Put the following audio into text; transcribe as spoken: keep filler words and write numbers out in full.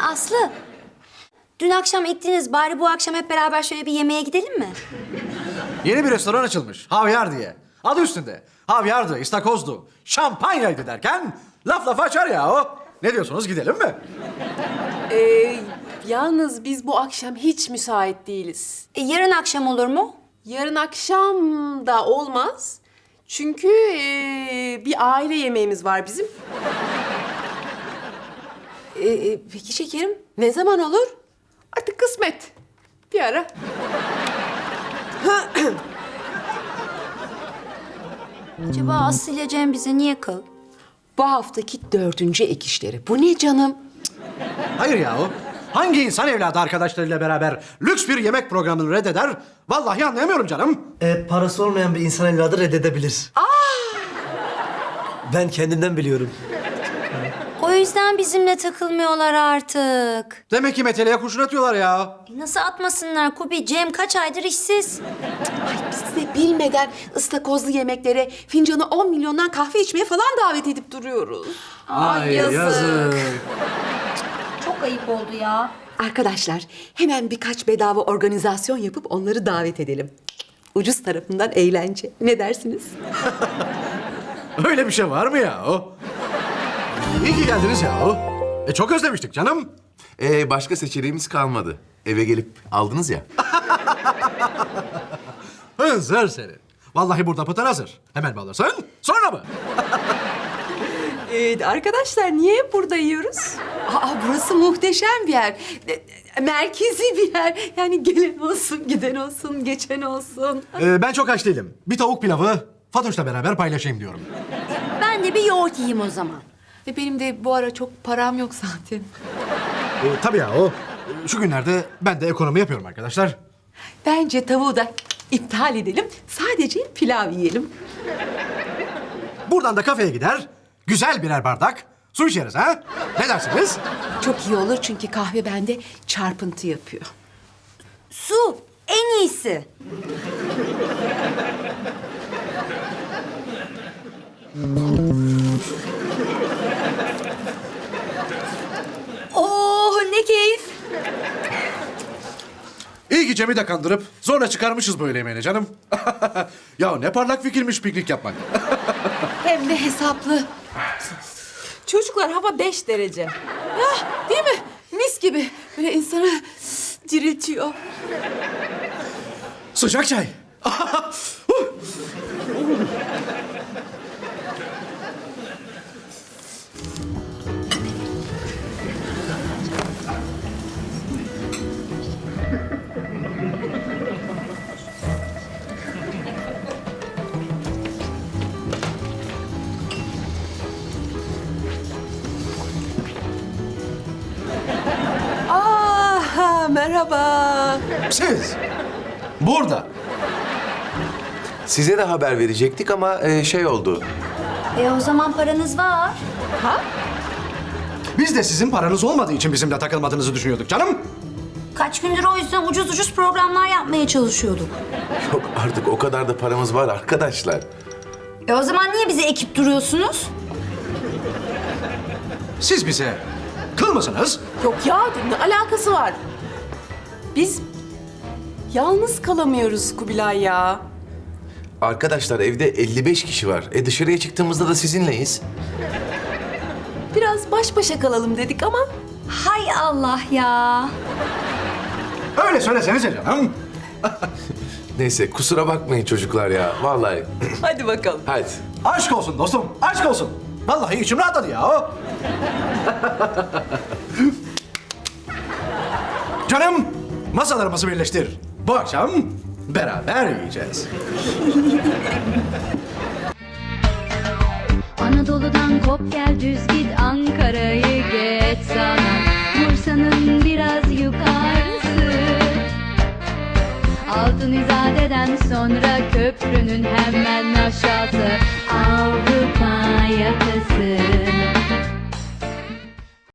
Aslı, dün akşam ettiniz. Bari bu akşam hep beraber şöyle bir yemeğe gidelim mi? Yeni bir restoran açılmış. Havyar diye. Adı üstünde. Havyardı, istakozdu, şampanyaydı derken laf lafa açar ya o. Ne diyorsunuz, gidelim mi? Ee, yalnız biz bu akşam hiç müsait değiliz. E, yarın akşam olur mu? Yarın akşam da olmaz. Çünkü ee, bir aile yemeğimiz var bizim. Ee, e, peki şekerim, ne zaman olur? Artık kısmet. Bir ara. Acaba Aslı ile Cem bize niye kal? Bu haftaki dördüncü ek işleri. Bu ne canım? Hayır ya o. Hangi insan evladı arkadaşlarıyla beraber lüks bir yemek programını reddeder? Vallahi anlayamıyorum canım. E, parası olmayan bir insan evladı reddedebilir. Aa! Ben kendimden biliyorum. O yüzden bizimle takılmıyorlar artık. Demek ki meteleye kurşun atıyorlar ya. E, nasıl atmasınlar Kubi? Cem kaç aydır işsiz. Biz de bilmeden ıstakozlu yemeklere, fincanı on milyondan kahve içmeye falan davet edip duruyoruz. Ay, yazık. Çok ayıp oldu ya. Arkadaşlar, hemen birkaç bedava organizasyon yapıp onları davet edelim. Ucuz tarafından eğlence. Ne dersiniz? Öyle bir şey var mı ya o? İyi ki geldiniz ya o. E çok özlemiştik canım. Ee, başka seçeneğimiz kalmadı. Eve gelip aldınız ya. Hınzır seni. Vallahi burada pıtır hazır. Hemen mi alırsın? Sonra mı? Ee, arkadaşlar niye hep burada yiyoruz? Aa, burası muhteşem bir yer. E, Merkezi bir yer. Yani gelen olsun, giden olsun, geçen olsun. Ee, ben çok aç değilim. Bir tavuk pilavı Fatoş'la beraber paylaşayım diyorum. Ben de bir yoğurt yiyeyim o zaman. Ve benim de bu ara çok param yok zaten. Ee, tabii ya o. Şu günlerde ben de ekonomi yapıyorum arkadaşlar. Bence tavuğu da iptal edelim. Sadece pilav yiyelim. Buradan da kafeye gider, güzel birer bardak su içeriz ha? Ne dersiniz? Çok iyi olur çünkü kahve bende çarpıntı yapıyor. Su en iyisi. Oh ne keyif. İyi ki Cem'i de kandırıp zorla çıkarmışız böyle yemeğini canım. Ya ne parlak fikirmiş piknik yapmak. Hem de hesaplı. Çocuklar hava beş derece. Ah, değil mi? Mis gibi. Böyle insanı diriltiyor. Sıcak çay. Aa, merhaba. Siz burada. Size de haber verecektik ama e, şey oldu. E o zaman paranız var. Ha? Biz de sizin paranız olmadığı için bizimle takılmadığınızı düşünüyorduk canım. Kaç gündür o yüzden ucuz ucuz programlar yapmaya çalışıyorduk. Yok artık o kadar da paramız var arkadaşlar. E o zaman niye bizi ekip duruyorsunuz? Siz bize kıl mısınız? Yok ya, ne alakası var? Biz yalnız kalamıyoruz Kubilay ya. Arkadaşlar evde elli beş kişi var. E dışarıya çıktığımızda da sizinleyiz. Biraz baş başa kalalım dedik ama Hay Allah ya. Öyle söylesenize canım. Neyse kusura bakmayın çocuklar ya. Vallahi. hadi bakalım. Hadi. Aşk olsun dostum, aşk olsun. Vallahi içim rahatladı ya. Canım, masalarımızı birleştir. Bu akşam beraber yiyeceğiz. Anadolu'dan kop gel düz git Ankara'yı geç sana Bursa'nın biraz yukarısı Altın İzade'den sonra köprünün hemen aşağısı Avrupa yakası